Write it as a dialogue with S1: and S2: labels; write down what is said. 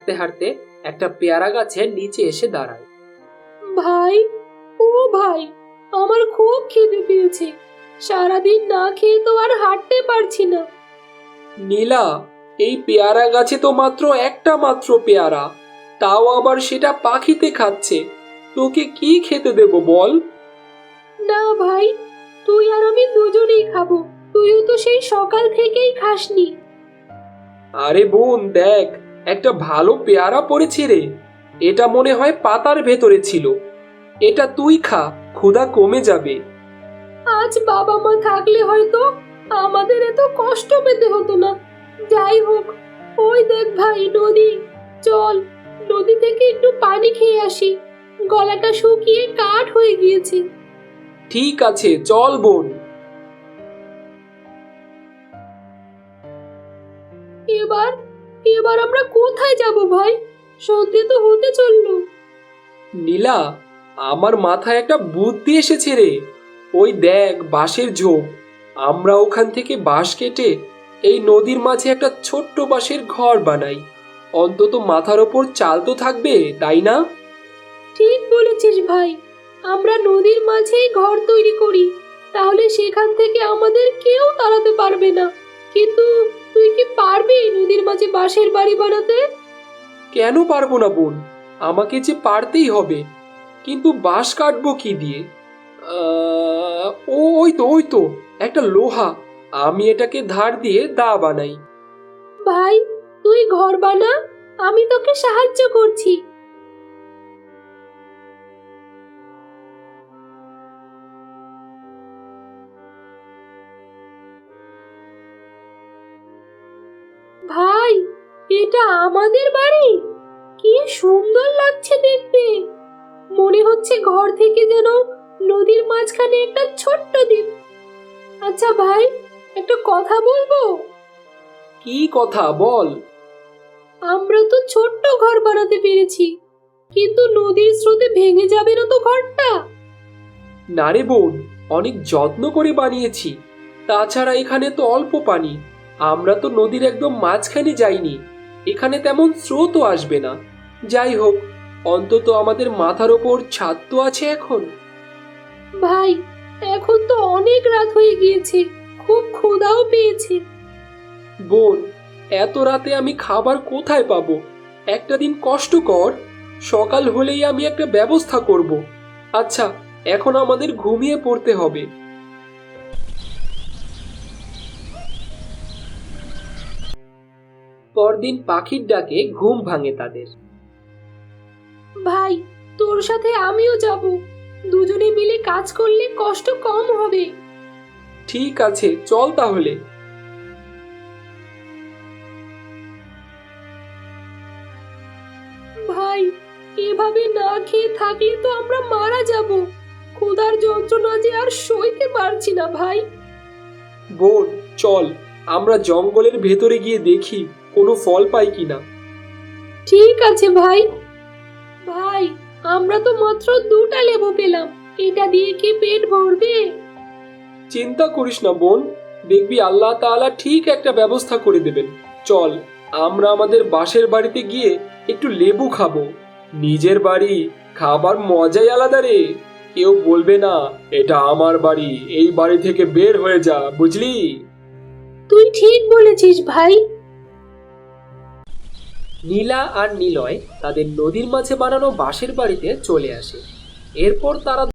S1: হাঁটতে হাঁটতে একটা পেয়ারা গাছের নিচে এসে দাঁড়ায়।
S2: ভাই, ও ভাই, আমার খুব খিদে পেয়েছে। সারাদিন না খেয়ে তো আর হাঁটতে পারছি না।
S1: নীলা, এই পেয়ারা গাছে তো মাত্র একটা মাত্র পেয়ারা, তাও আবার সেটা পাখিতে খাচ্ছে। তোকে কি খেতে দেব বল?
S2: না ভাই, তুই আর আমি দুজনেই খাবো। তুইও তো সেই সকাল থেকেই খাসনি।
S1: আরে বোন দেখ, একটা ভালো পেয়ারা পড়েছে রে। এটা মনে হয় পাতার ভেতরে ছিল। এটা তুই খা, ক্ষুধা কমে যাবে।
S2: আজ বাবা মা থাকলে হয়তো আমাদের এত কষ্ট পেতে হতো না। যাই হোক, ওই দেখ ভাই নদী, চল নদী থেকে একটু পানি খেয়ে আসি। গলাটা শুকিয়ে কাঠ হয়ে গিয়েছে।
S1: ঠিক আছে, চল বোন।
S2: এবার এবার আমরা কোথায় যাব ভাই? সন্ধে তো হতে চললো।
S1: নীলা, আমার মাথায় একটা বুদ্ধি এসেছে রে। ওই দেখ বাঁশের ঝোপ, আমরা ওখান থেকে বাঁশ কেটে এই নদীর মাঝে একটা ছোট্ট বাঁশের ঘর বানাই। অন্তত মাথার ওপর চাল তো থাকবে, তাই না?
S2: ঠিক বলেছিস ভাই, আমরা নদীর মাঝেই ঘর তৈরি করি। তাহলে সেখান থেকে আমাদের কেউ তাড়াতে পারবে না। কিন্তু তুই কি পারবি নদীর মাঝে বাঁশের বাড়ি বানাতে?
S1: কেন পারবো না বোন, আমাকে যে পারতেই হবে। কিন্তু বাঁশ কাটবো কি দিয়ে? ওই তো একটা লোহা। আমি এটাকে ধার দিয়ে দা বানাই।
S2: ভাই, তুই ঘর বানা, আমি তোকে সাহায্য করছি। ভাই, এটা আমাদের বাড়ি। কি সুন্দর লাগছে দেখতে। মনে হচ্ছে ঘর থেকে যেন নদীর মাঝখানে একটা ছোট্ট দ্বীপ। আচ্ছা ভাই, একটা কথা বলবো?
S1: কি কথা বল?
S2: আমরা তো ছোট্ট ঘর বানাতে পেরেছি, কিন্তু নদীর স্রোতে ভেঙে যাবে না তো ঘরটা?
S1: না রে বোন, অনেক যত্ন করে বানিয়েছি। তাছাড়া এখানে তো অল্প পানি। আমরা তো নদীর একদম মাঝখানে যাইনি। এখানে তেমন স্রোতও আসবে না। যাই হোক, অন্তত আমাদের মাথার ওপর ছাদ তো আছে এখন।
S2: ভাই, এখন তো অনেক রাত হয়ে গিয়েছে, খুব ক্ষুধাও পেয়েছে।
S1: বোন, এত রাতে আমি খাবার কোথায় পাবো? একটা দিন কষ্ট কর, সকাল হলেই আমি একটা ব্যবস্থা করব। আচ্ছা, এখন আমাদের ঘুমিয়ে পড়তে হবে। পরদিন পাখির ডাকে ঘুম ভাঙে তাদের।
S2: ভাই, তোর সাথে আমিও যাব। দুজনে মিলে কাজ করলে কষ্ট কম হবে।
S1: ঠিক আছে, চল তাহলে।
S2: ভাই, এভাবে না খেয়ে থাকলে তো আমরা মারা যাব। ক্ষুধার যন্ত্রণা যে আর সইতে পারছি না ভাই।
S1: বোন, চল আমরা জঙ্গলের ভেতরে গিয়ে দেখি কোনো ফল পাই কিনা।
S2: ঠিক আছে ভাই। ভাই, আমরা তো মাত্র 2টা লেবু পেলাম। এটা দিয়ে কি পেট ভরবে?
S1: চিন্তা করিস না বোন, দেখবি আল্লাহ তাআলা ঠিক একটা ব্যবস্থা করে দেবেন। চল, আমরা আমাদের বাসের বাড়িতে গিয়ে একটু লেবু খাবো। নিজের বাড়ি, খাবার মজাই আলাদা রে। কেউ বলবে না এটা আমার বাড়ি, এই বাড়ি থেকে বের হয়ে যা, বুঝলি?
S2: তুই ঠিক বলেছিস ভাই।
S1: নীলা আর নিলয় তাদের নদীর মাঝে বানানো বাঁশের বাড়িতে চলে আসে। এরপর তারা